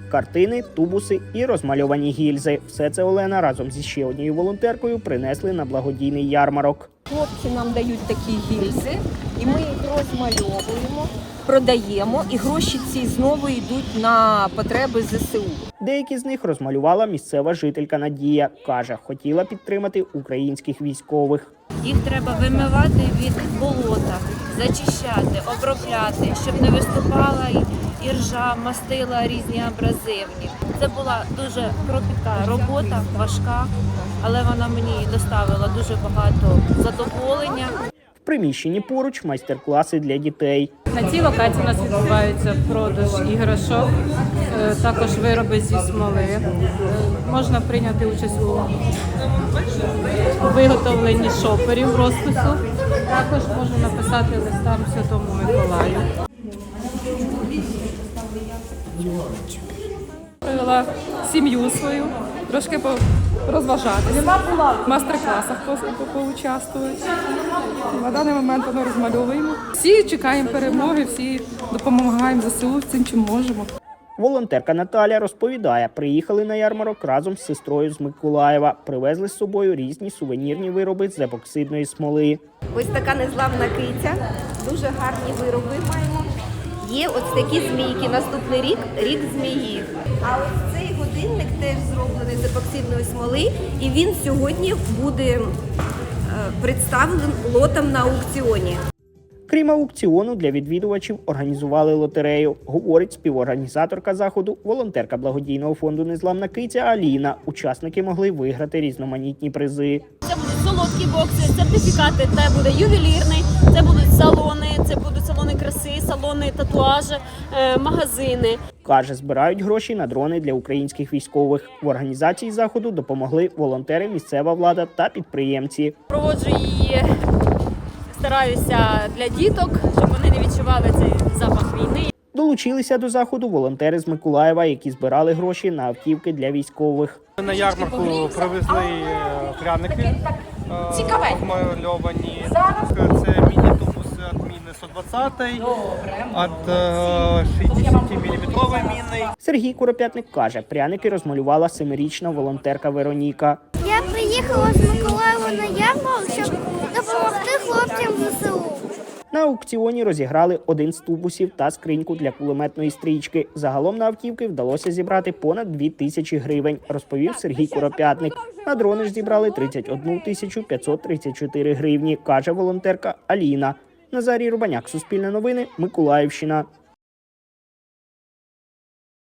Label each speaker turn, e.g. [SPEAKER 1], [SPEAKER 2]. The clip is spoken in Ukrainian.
[SPEAKER 1] картини, тубуси і розмальовані гільзи. Все це Олена разом зі ще однією волонтеркою принесли на благодійний ярмарок.
[SPEAKER 2] Хлопці нам дають такі гільзи, і ми їх розмальовуємо, продаємо, і гроші ці знову йдуть на потреби ЗСУ.
[SPEAKER 1] Деякі з них розмалювала місцева жителька Надія. Каже, хотіла підтримати українських військових.
[SPEAKER 3] Їх треба вимивати від болота, зачищати, обробляти, щоб не виступала іржа, мастила різні абразивні. Це була дуже кропітка робота, важка, але вона мені доставила дуже багато задоволення.
[SPEAKER 1] В приміщенні поруч майстер-класи для дітей.
[SPEAKER 4] На цій локації у нас відбувається продаж іграшок, також вироби зі смоли. Можна прийняти участь у виготовленні шоперів розпису. Також можна написати листам Святому Миколаю. Привела сім'ю свою, трошки розважатися, в майстер-класах поучаствувати. На даний момент ми розмальовуємо. Всі чекаємо перемоги, всі допомагаємо ЗСУ цим, чим можемо.
[SPEAKER 1] Волонтерка Наталя розповідає, приїхали на ярмарок разом з сестрою з Миколаєва. Привезли з собою різні сувенірні вироби з епоксидної смоли.
[SPEAKER 2] Ось така незламна киця, дуже гарні вироби маємо. Є ось такі змійки, наступний рік – рік змії. А ось цей годинник теж зроблений з епоксидної смоли, і він сьогодні буде представлений лотом на аукціоні.
[SPEAKER 1] Крім аукціону, для відвідувачів організували лотерею, говорить співорганізаторка заходу, волонтерка благодійного фонду «Незламна киця» Аліна. Учасники могли виграти різноманітні призи.
[SPEAKER 5] Це будуть солодкі бокси, сертифікати, це буде ювелірний, це будуть салони краси, салони татуажі, магазини.
[SPEAKER 1] Каже, збирають гроші на дрони для українських військових. В організації заходу допомогли волонтери, місцева влада та підприємці.
[SPEAKER 5] Проводжу її, стараюся для діток, щоб вони не відчували цей запах війни.
[SPEAKER 1] Долучилися до заходу волонтери з Миколаєва, які збирали гроші на автівки для військових.
[SPEAKER 6] На ярмарку привезли пряники розмальовані. Це міні-тубуси від міни 120, від 60-мм міни.
[SPEAKER 1] Сергій Куропятник каже, пряники розмалювала 7-річна волонтерка Вероніка.
[SPEAKER 7] Я приїхала з Миколаєва на ярмарок, щоб допомогти хлопцям ЗСУ.
[SPEAKER 1] На аукціоні розіграли один з тубусів та скриньку для кулеметної стрічки. Загалом на автівки вдалося зібрати понад 2000 гривень, розповів Сергій Куропятник. На дрони ж зібрали 31 534 гривні, каже волонтерка Аліна. Назарій Рубаняк, Суспільне новини, Миколаївщина.